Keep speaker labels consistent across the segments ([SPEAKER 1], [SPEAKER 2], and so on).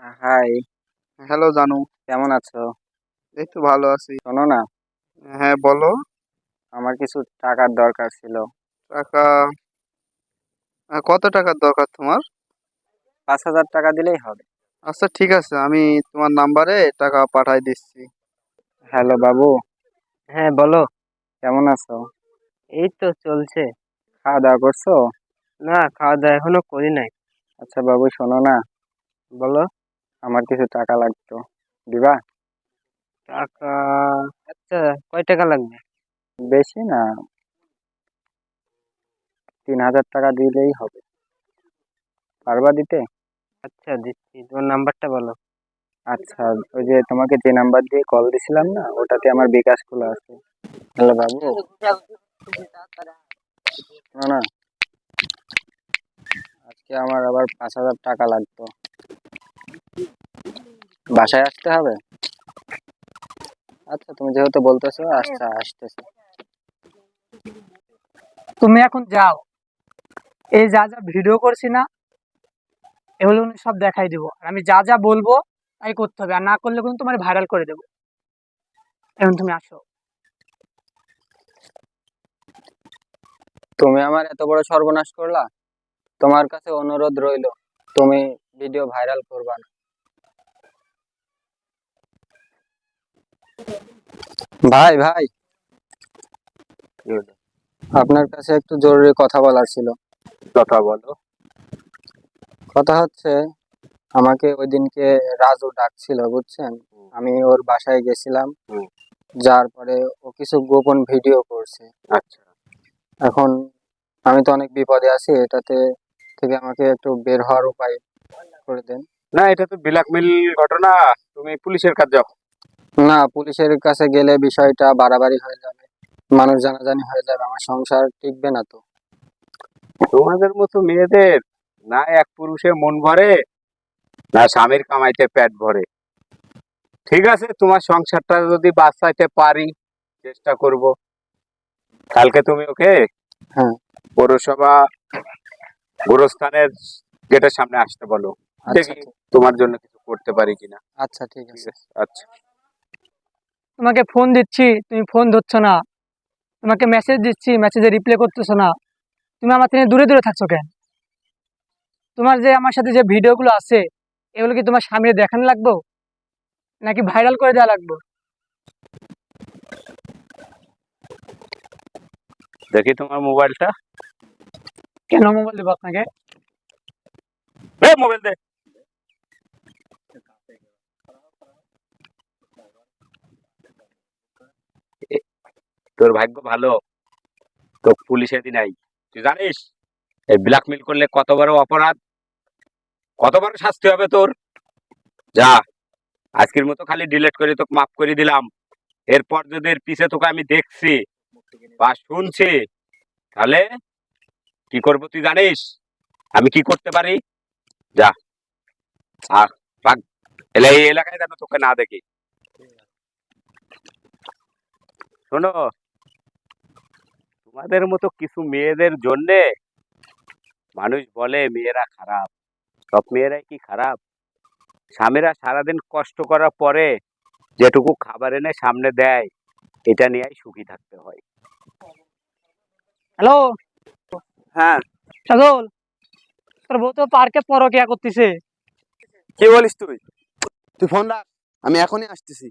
[SPEAKER 1] High,
[SPEAKER 2] hello জানু।
[SPEAKER 1] কেমন আছো?
[SPEAKER 2] এই তো ভালো আছি।
[SPEAKER 1] শোনো না,
[SPEAKER 2] হ্যাঁ বলো।
[SPEAKER 1] আমার কিছু টাকার দরকার ছিল।
[SPEAKER 2] টাকা? কত টাকার দরকার তোমার?
[SPEAKER 1] 5,000 টাকা দিলেই হবে।
[SPEAKER 2] আচ্ছা ঠিক আছে, আমি তোমার নাম্বারে টাকা পাঠাই দিচ্ছি।
[SPEAKER 1] হ্যালো বাবু। হ্যাঁ বলো। কেমন আছো? এই তো চলছে। খাওয়া দাওয়া করছো? না, খাওয়া দাওয়া এখনো করি নাই। আচ্ছা বাবু শোনো না, বলো। আমার কিছু টাকা লাগতো, দিবা? টাকা? আচ্ছা, কয় টাকা লাগবে? বেশি না, 3,000 টাকা দিলেই হবে। পারবা দিতে? আচ্ছা দিচ্ছি, তোমার নাম্বারটা বলো। আচ্ছা, ওই যে তোমাকে যে নাম্বার দিয়ে কল দিছিলাম না, ওটাতে আমার বিকাশ খোলা আছে। হ্যালো বাবু, শোনো না, আজকে আমার আবার 5,000 টাকা লাগতো। বাসায় আসতে হবে? আচ্ছা, তুমি যেহেতু বলতেছো, আচ্ছা আসতেছি।
[SPEAKER 3] তুমি এখন যাও, এই যা যা ভিডিও করছি না, এগুলো কিন্তু সব দেখাই দিব। আর আমি যা যা বলবো তাই করতে হবে, আর না করলে কিন্তু তোমার ভাইরাল করে দেবো। এখন তুমি আসো।
[SPEAKER 1] তুমি আমার এত বড় সর্বনাশ করলা। তোমার কাছে অনুরোধ রইলো, তুমি ভিডিও ভাইরাল করবা না। ভাই ভাই, আপনার কাছে একটু জরুরি কথা বলার ছিল। কথা বলো। কথা হচ্ছে, আমাকে ওই দিনকে রাজু ডাকছিল বুঝছেন। আমি ওর বাসায় গেছিলাম, যার পরে ও কিছু গোপন ভিডিও করছে। আচ্ছা, এখন আমি তো অনেক বিপদে আছি, এটাতে থেকে আমাকে একটু বের হওয়ার উপায় করে দেন।
[SPEAKER 4] না, এটা তো ব্ল্যাকমেল ঘটনা। তুমি পুলিশের কাছে যাও।
[SPEAKER 1] না, পুলিশের কাছে গেলে বিষয়টা বাড়াবাড়ি হয়ে যাবে, মানুষ জানাজানি হয়ে যাবে, আমার সংসার টিকবে না তো।
[SPEAKER 4] তোমাদের মতো মেয়েদের না এক পুরুষে মন ভরে, না স্বামীর কামাইতে পেট ভরে। ঠিক আছে, তোমার সংসারটা যদি বাঁচাইতে পারি চেষ্টা করব। কালকে তুমি ওকে
[SPEAKER 1] হ্যাঁ।
[SPEAKER 4] পৌরসভা গোরস্থানের গেটের সামনে আসতে বলো।
[SPEAKER 1] আচ্ছা
[SPEAKER 4] দেখি তোমার জন্য কিছু করতে পারি কিনা।
[SPEAKER 1] আচ্ছা ঠিক
[SPEAKER 4] ঠিক
[SPEAKER 1] আছে।
[SPEAKER 4] আছে, আচ্ছা।
[SPEAKER 3] তোমাকে ফোন দিচ্ছি, তুমি ফোন ধরছো না। তোমাকে মেসেজ দিচ্ছি, মেসেজে রিপ্লাই করতেছো না। তুমি আমার থেকে দূরে দূরে থাকছো কেন? তোমার যে আমার সাথে যে ভিডিওগুলো আছে, এগুলো কি তোমার সামনে দেখানো লাগবো, নাকি ভাইরাল করে দেওয়া লাগবে?
[SPEAKER 4] দেখি তোমার মোবাইলটা।
[SPEAKER 3] কেন মোবাইল দেবো আপনাকে?
[SPEAKER 4] মোবাইল দে। এ, তোর ভাগ্য ভালো, তো পুলিশ এদিন নাই। তুই জানিস এই ব্ল্যাকমেল করলে কত বড় অপরাধ, কত বড় শাস্তি হবে তোর। যা, আজকের মতো খালি ডিলিট করে তোকে মাফ করে দিলাম। এরপর যদি এর পিছে তোকে আমি দেখছি বা শুনছি, তাহলে কি করবো তুই জানিস? আমি কি করতে পারি? যা, আর ভাগ। এলে এই এলাকায় যেন তোকে না দেখি। শোনো, তোমাদের মতো কিছু মেয়েদের জন্যে মানুষ বলে মেয়েরা খারাপ। সব মেয়েরাই কি খারাপ? স্বামীরা সারাদিন কষ্ট করার পরে যেটুকু খাবার এনে সামনে দেয়, এটা নিয়েই সুখী থাকতে হয়।
[SPEAKER 3] হ্যালো
[SPEAKER 2] হ্যাঁ,
[SPEAKER 3] সাজল, তোর বউ তো পার্কে পরকিয়া করতেছে।
[SPEAKER 2] কি বলিস তুই? তুই ফোন রাখ, আমি এখনই আসতেছি।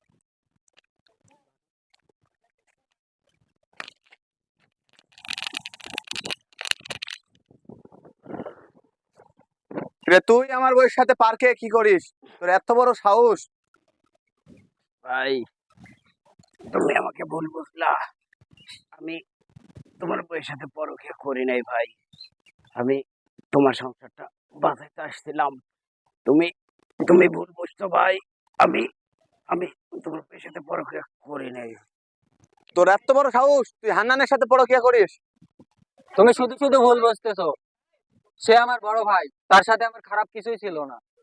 [SPEAKER 2] রে, তুই আমার বউয়ের সাথে পার্কে কি করিস? তোর এত বড় সাহস!
[SPEAKER 4] ভাই, তুমি আমাকে ভুল বুঝলা। আমি তোমার বউয়ের সাথে পরকীয়া করি নাই ভাই। আমি তোমার সংসারটা বাঁচাইতে আসছিলাম। তুমি তুমি ভুল বুঝছো ভাই। আমি আমি তোমার বউয়ের সাথে পরকীয়া করি নাই।
[SPEAKER 2] তোর এত বড় সাহস, তুই হান্নানের সাথে পরকিয়া করিস?
[SPEAKER 1] তুমি শুধু শুধু ভুল বুঝতেছো। সে আমার বড় ভাই, তার সাথে আমার খারাপ কিছুই ছিল না।